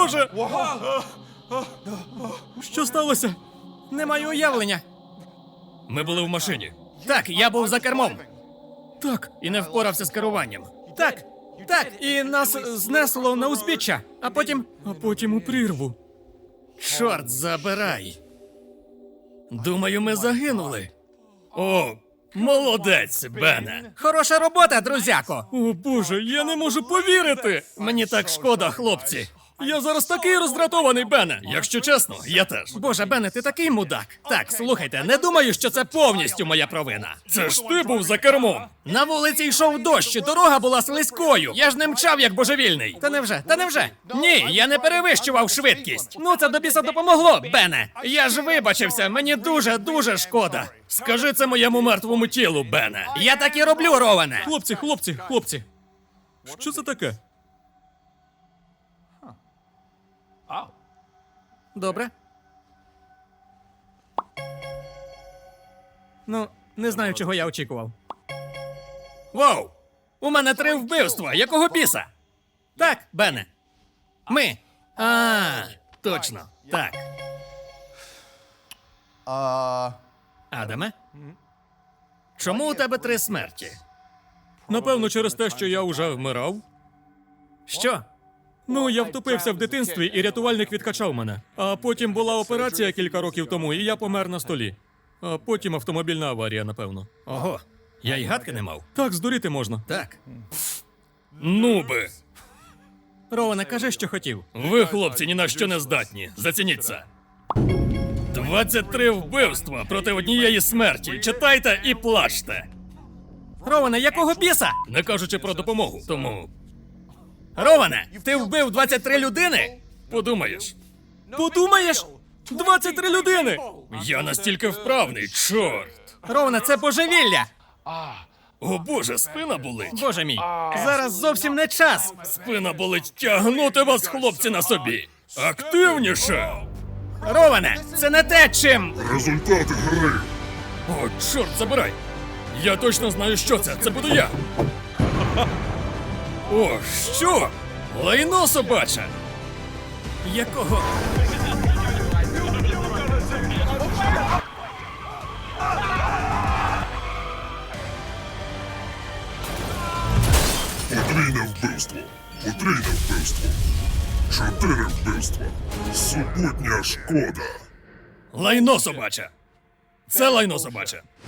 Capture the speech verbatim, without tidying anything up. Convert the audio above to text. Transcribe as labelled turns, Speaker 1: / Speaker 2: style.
Speaker 1: боже! Що сталося?
Speaker 2: Не маю уявлення.
Speaker 1: Ми були в машині.
Speaker 2: Так, я був за кермом.
Speaker 1: Так.
Speaker 2: І не впорався з керуванням. Так, так, і нас знесло на узбіччя, а потім...
Speaker 1: А потім у прірву.
Speaker 2: Чорт забирай.
Speaker 1: Думаю, ми загинули. О, молодець, Бене.
Speaker 2: Хороша робота, друзяко.
Speaker 1: О боже, я не можу повірити.
Speaker 2: Мені так шкода, хлопці.
Speaker 1: Я зараз такий роздратований, Бене. Якщо чесно, я теж.
Speaker 2: Боже, Бене, ти такий мудак. Так, слухайте, не думаю, що це повністю моя провина.
Speaker 1: Це ж ти був за кермом.
Speaker 2: На вулиці йшов дощ, і дорога була слизькою. Я ж не мчав, як божевільний. Та невже? Та невже? Ні, я не перевищував швидкість. Ну, це до біса допомогло, Бене. Я ж вибачився, мені дуже-дуже шкода.
Speaker 1: Скажи це моєму мертвому тілу, Бене.
Speaker 2: Я так і роблю, Роване.
Speaker 1: Хлопці, хлопці, хлопці. Що це таке?
Speaker 2: Добре. Ну, не знаю, чого я очікував. Вау! У мене три вбивства! Якого біса? Так, Бене. Ми. А, точно. Так.
Speaker 3: А...
Speaker 2: Адаме? Чому у тебе три смерті?
Speaker 1: Напевно, через те, що я вже вмирав.
Speaker 2: Що?
Speaker 1: Ну, я втопився в дитинстві, і рятувальник відкачав мене. А потім була операція кілька років тому, і я помер на столі. А потім автомобільна аварія, напевно.
Speaker 2: Ого, я й гадки не мав.
Speaker 1: Так, здуріти можна.
Speaker 2: Так.
Speaker 1: Ну би!
Speaker 2: Роване, кажи, що хотів.
Speaker 1: Ви, хлопці, ні на що не здатні. Зацініть це. двадцять три вбивства проти однієї смерті. Читайте і плачте.
Speaker 2: Роване, якого біса?
Speaker 1: Не кажучи про допомогу. Тому
Speaker 2: Роване, ти вбив двадцять три людини?
Speaker 1: подумаєш.
Speaker 2: Подумаєш?
Speaker 1: двадцять три людини! Я настільки вправний, чорт!
Speaker 2: Роване, це божевілля!
Speaker 1: О боже, спина болить.
Speaker 2: Боже мій, зараз зовсім не час.
Speaker 1: Спина болить, тягнути вас, хлопці, на собі. Активніше!
Speaker 2: Роване, це не те, чим.
Speaker 4: Результати гри.
Speaker 1: О, чорт, забирай! Я точно знаю, що це. Це буду я. О, що? Лайно собаче!
Speaker 2: Якого?
Speaker 4: Подвійне вбивство. Потрійне вбивство. Чотири вбивства. Супутня шкода.
Speaker 1: Лайно собаче! Це лайно собаче.